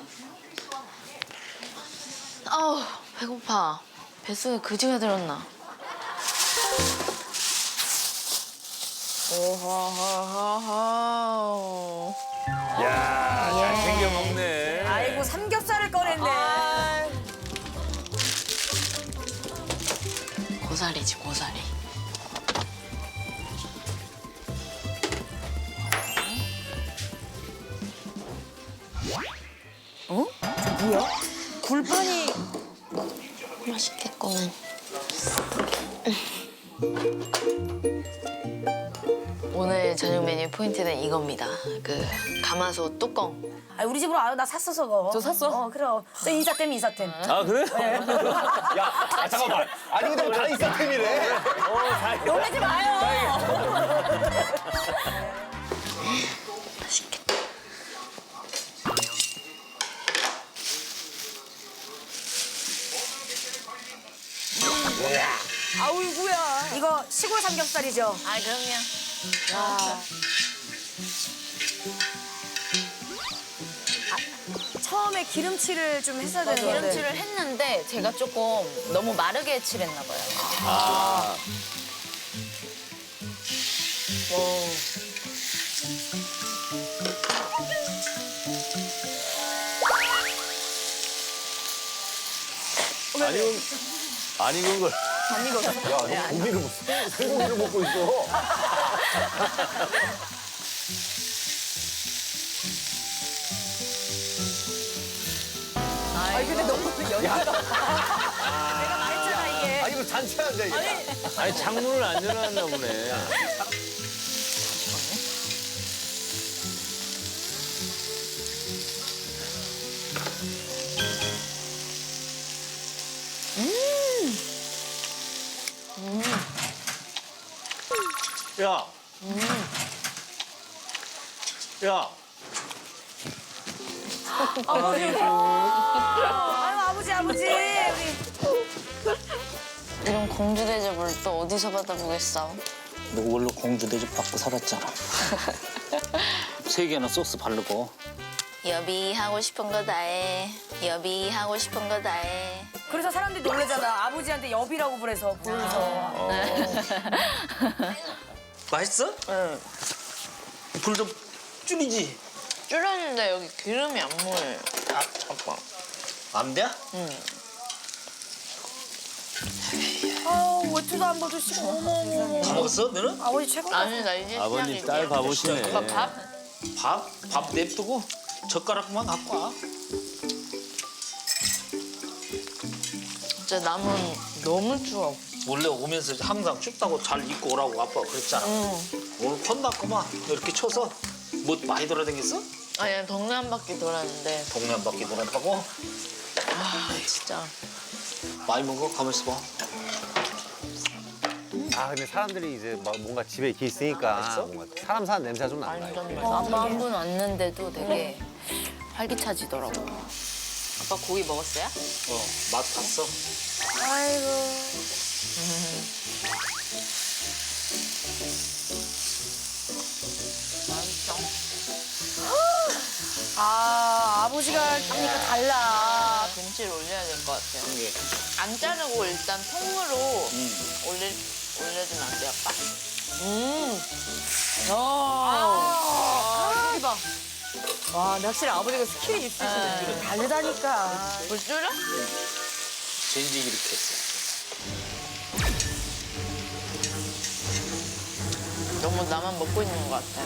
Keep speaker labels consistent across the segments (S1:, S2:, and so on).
S1: 아우, 배고파. 뱃속에 그지가 들었나? 오호호호호.
S2: 야, 잘 챙겨 먹네.
S3: 아이고 삼겹살을 꺼냈네.
S1: 고사리지, 고사리.
S3: 굴판이
S1: 맛있겠구만. 오늘 저녁 메뉴 포인트는 이겁니다. 그 가마솥 뚜껑.
S3: 아, 우리 집으로 와요. 나 샀어 그거.
S4: 저 샀어?
S3: 그럼. 저 인사템 인사템.
S2: 아, 그래?
S5: 야, 잠깐만. 아니 근데 다 인싸템이래.
S3: 놀라지 마요.
S1: 맛있겠다.
S3: 아우구야. 이거 시골 삼겹살이죠.
S1: 아, 그럼요.
S3: 처음에 기름칠을 좀 했어야 되는 건데.
S1: 기름칠을 했는데 제가 조금 너무 마르게 칠했나 봐요.
S2: 아, 안 익은 걸.
S5: 야, 너 고기를 생고기를 먹고 있어.
S3: 아니 근데 너무 연기가. 내가 말했잖아 이게.
S5: 아니 이거 잔치한다 이게.
S2: 아니, 창문을 안 열어놨나 보네. 야. 야.
S3: 아유 아버지 우리.
S1: 이런 공주 대접을 또 어디서 받아보겠어?
S6: 너 원래 공주 대접 받고 살았잖아. 3개나 소스 바르고.
S1: 여비 하고 싶은 거 다 해. 여비 하고 싶은 거 다 해.
S3: 그래서 사람들이 놀래잖아. 아버지한테 여비라고 부르서.
S6: 맛있어? 응. 불 좀 줄이지.
S1: 줄였는데 여기 기름이 안 모여요. 아, 잠깐.
S6: 안 돼?
S3: 아우 외투도 안 벗으시고. 어머머.
S6: 다 먹었어, 너는?
S3: 아버지 최고다.
S1: 아니, 나 이제
S2: 아버님
S1: 시작이지.
S2: 딸 바보시네.
S1: 오빠 밥?
S6: 밥 냅두고 젓가락만 갖고 와.
S1: 진짜 남은 너무 추워.
S6: 원래 오면서 항상 춥다고 잘 입고 오라고 아빠가 그랬잖아. 오늘 혼났구만. 이렇게 쳐서 뭐 많이 돌아다녔어?
S1: 아니, 동네 한 바퀴 돌았는데.
S6: 동네 한 바퀴 돌았다고?
S1: 아, 진짜.
S6: 많이 먹어? 가만 있어봐.
S5: 아 근데 사람들이 이제 막 뭔가 집에 이렇게 있으니까 뭔가 사람 사는 냄새가 좀 난다. 이거.
S1: 완전 맛있어. 한 분 왔는데도 되게 활기차지더라고. 아빠 고기 먹었어요?
S6: 맛 봤어?
S3: 아이고.
S1: 맛있어.
S3: 아 아버지가 하니까 달라.
S1: 김치를 올려야 될 것 같아요.
S6: 이게.
S1: 안 자르고 일단 통으로 올려주면 안 돼요, 아빠?
S3: 대박. 와, 근데 확실히 아버지가 스킬이 있으시네. 다르다니까.
S1: 물 줄여?
S6: 젠지 이렇게 했어.
S1: 너무 나만 먹고 있는 것 같아.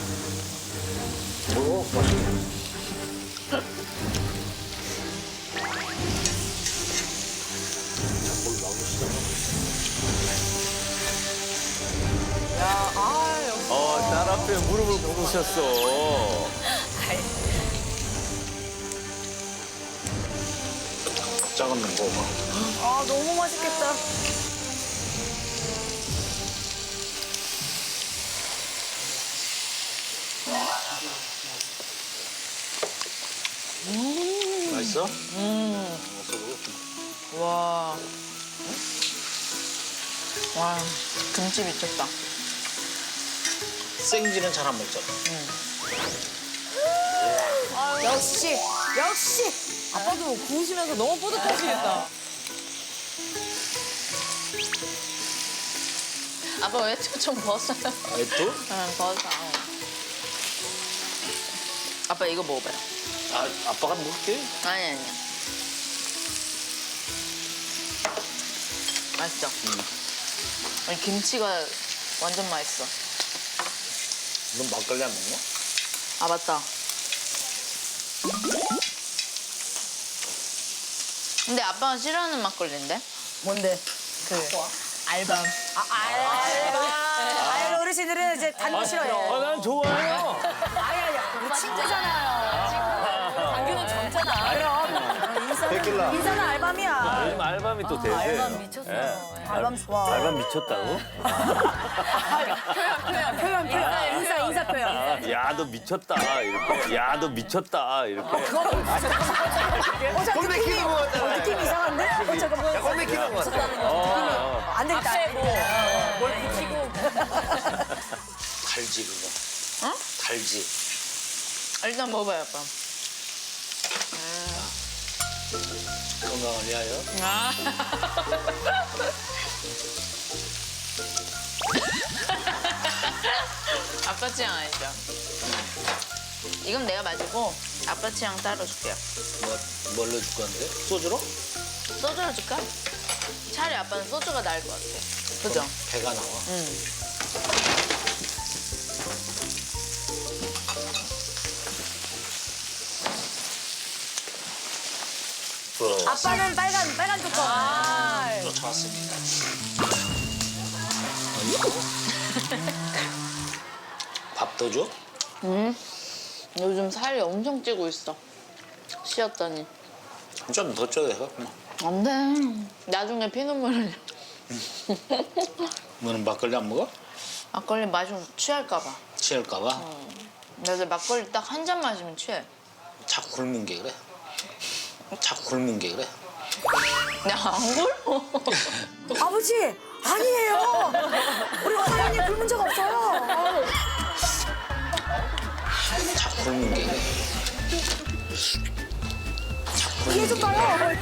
S2: 딸 앞에 무릎을 꿇으셨어.
S6: 작은 거 먹어.
S3: 아, 너무 맛있겠다.
S6: 맛있어?
S1: 와. 와, 김치 미쳤다.
S6: 생지는 잘 안 먹잖아.
S1: 아유,
S3: 역시 아빠도 구우시면서 너무 뿌듯하시겠다.
S1: 아빠 외투 좀 벗어요.
S6: 또?
S1: 응, 벗어. 아빠 이거 먹어봐요.
S6: 아, 아빠가 먹을게.
S1: 아니. 맛있죠? 아니, 김치가 완전 맛있어.
S6: 넌 막걸리 안 먹냐?
S1: 아, 맞다. 근데 아빠가 싫어하는 막걸리인데?
S3: 뭔데?
S1: 알밤.
S3: 아유 어르신들은 이제 단 거 싫어해요.
S2: 난 좋아요.
S3: 우리 친구잖아요.
S1: 당규는 젊잖아.
S5: 데킬라.
S3: 인사는 알밤이야.
S2: 요즘 알밤이 또 대세예요.
S1: 알밤 미쳤어.
S3: 알밤 좋아.
S2: 알밤 미쳤다고?
S3: 표현. 인사 표현.
S2: 야, 너 미쳤다. 이렇게. 야, 너 미쳤다. 이렇게.
S5: 꼴 맥히는 거 같잖아.
S3: 느낌 이상한데? 잠깐만.
S5: 꼴 맥히는 거 같아.
S3: 안 되겠다.
S1: 뭘 붙이고.
S6: 달지 그거.
S1: 어?
S6: 달지.
S1: 일단 먹어봐요, 아빠.
S6: 건강을 위하여.
S1: 아. 아빠 취향 아니죠? 이건 내가 마시고 아빠 취향 따로 줄게요.
S6: 뭘로 줄 건데? 소주로?
S1: 소주로 줄까? 차라리 아빠는 소주가 나을 것 같아. 그죠?
S6: 배가 나와.
S3: 아빠는 빨간 뚜껑.
S6: 쫓아왔습니다. 밥도 줘?
S1: 요즘 살이 엄청 찌고 있어. 쉬었더니.
S6: 좀 더 줘야 돼.
S1: 안 돼. 나중에 피눈물 흘려.
S6: 너는 막걸리 안 먹어?
S1: 막걸리 마시면 취할까 봐.
S6: 취할까 봐?
S1: 근데 막걸리 딱 한 잔 마시면 취해.
S6: 자꾸 굶는 게 그래. 자꾸 굶는 게 그래.
S1: 내가 안 굶어.
S3: 아버지 아니에요. 우리 사장님 굶은 적 없어요.
S6: 자꾸 굶는 게 그래.
S3: 이해 좀 봐요.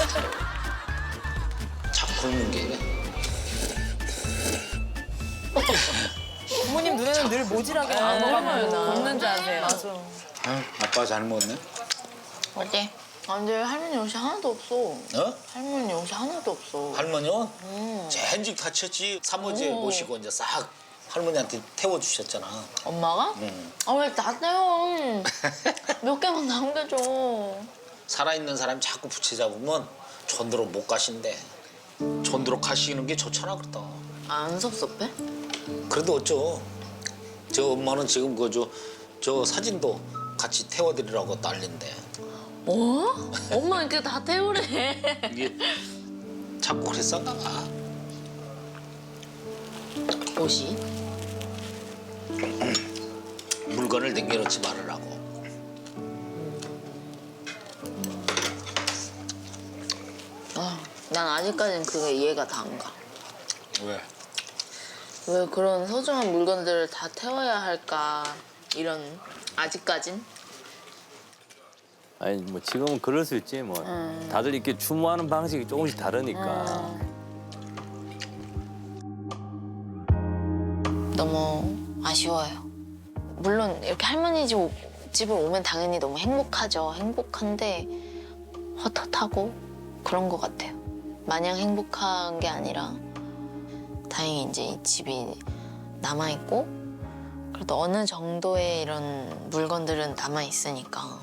S6: 자꾸 굶는 게 그래.
S3: 부모님 눈에는 늘 모질하게
S1: 안 먹어요, 나.
S3: 굶는 줄 아세요.
S1: 맞아.
S6: 아빠 잘 먹었네.
S1: 어때? 아, 근데 할머니 옷이 하나도 없어.
S6: 어?
S1: 할머니 옷이 하나도 없어.
S6: 할머니요? 젠직 다쳤지. 사모제 모시고 이제 싹 할머니한테 태워주셨잖아.
S1: 엄마가?
S6: 응.
S1: 아, 왜 다 떼요? 몇 개만 남겨줘.
S6: 살아있는 사람이 자꾸 부채잡으면 전도로 못 가신대. 전도로 가시는 게 좋잖아 그러다.
S1: 안 섭섭해?
S6: 그래도 어쩌. 저 엄마는 지금 저 사진도 같이 태워드리라고 난린데.
S1: 어? 엄마 이렇게 다 태우래.
S6: 이게 자꾸 그랬었나 봐.
S1: 옷이?
S6: 물건을 남겨놓지 말으라고.
S1: 아, 난 아직까지는 그게 이해가 다 안 가.
S6: 왜?
S1: 왜 그런 소중한 물건들을 다 태워야 할까? 이런 아직까진?
S2: 아니, 뭐 지금은 그럴 수 있지. 뭐 다들 이렇게 추모하는 방식이 조금씩 다르니까.
S1: 너무 아쉬워요. 물론 이렇게 할머니 집을 오면 당연히 너무 행복하죠. 행복한데 헛헛하고 그런 것 같아요. 마냥 행복한 게 아니라 다행히 이제 이 집이 남아있고 그래도 어느 정도의 이런 물건들은 남아있으니까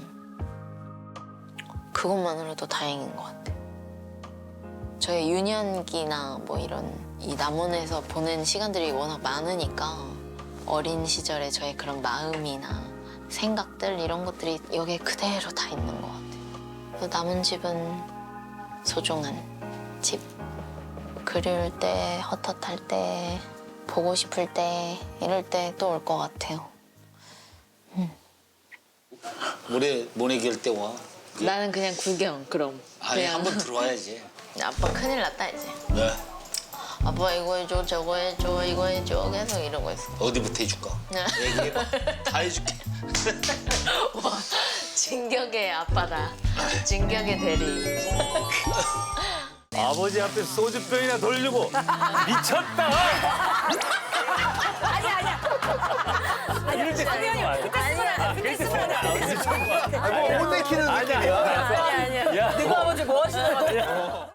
S1: 그것만으로도 다행인 것 같아요. 저희 유년기나 뭐 이런 이 남원에서 보낸 시간들이 워낙 많으니까 어린 시절에 저의 그런 마음이나 생각들 이런 것들이 여기에 그대로 다 있는 것 같아요. 그래서 남은 집은 소중한 집. 그리울 때, 헛헛할 때, 보고 싶을 때 이럴 때 또 올 것 같아요.
S6: 모래 기를 때 와.
S1: 나는 그냥 구경 그럼.
S6: 아니
S1: 그냥.
S6: 한번 들어와야지.
S1: 아빠 큰일 났다 이제.
S6: 네.
S1: 아빠 이거 해줘 저거 해줘 이거 해줘 계속 이러고 있어.
S6: 어디부터 해줄까?
S1: 네.
S6: 얘기해봐. 다 해줄게.
S1: 와 진격의 아빠다. 진격의 대리.
S2: 아버지 앞에 소주병이나 돌리고 미쳤다. 이럴 때 쓰는 거 아니야? 그럴 때 쓰는 거 아니야?
S5: 못 내키는 느낌이야.
S2: 아니야.
S3: 누구 아버지 뭐 하시는 거야?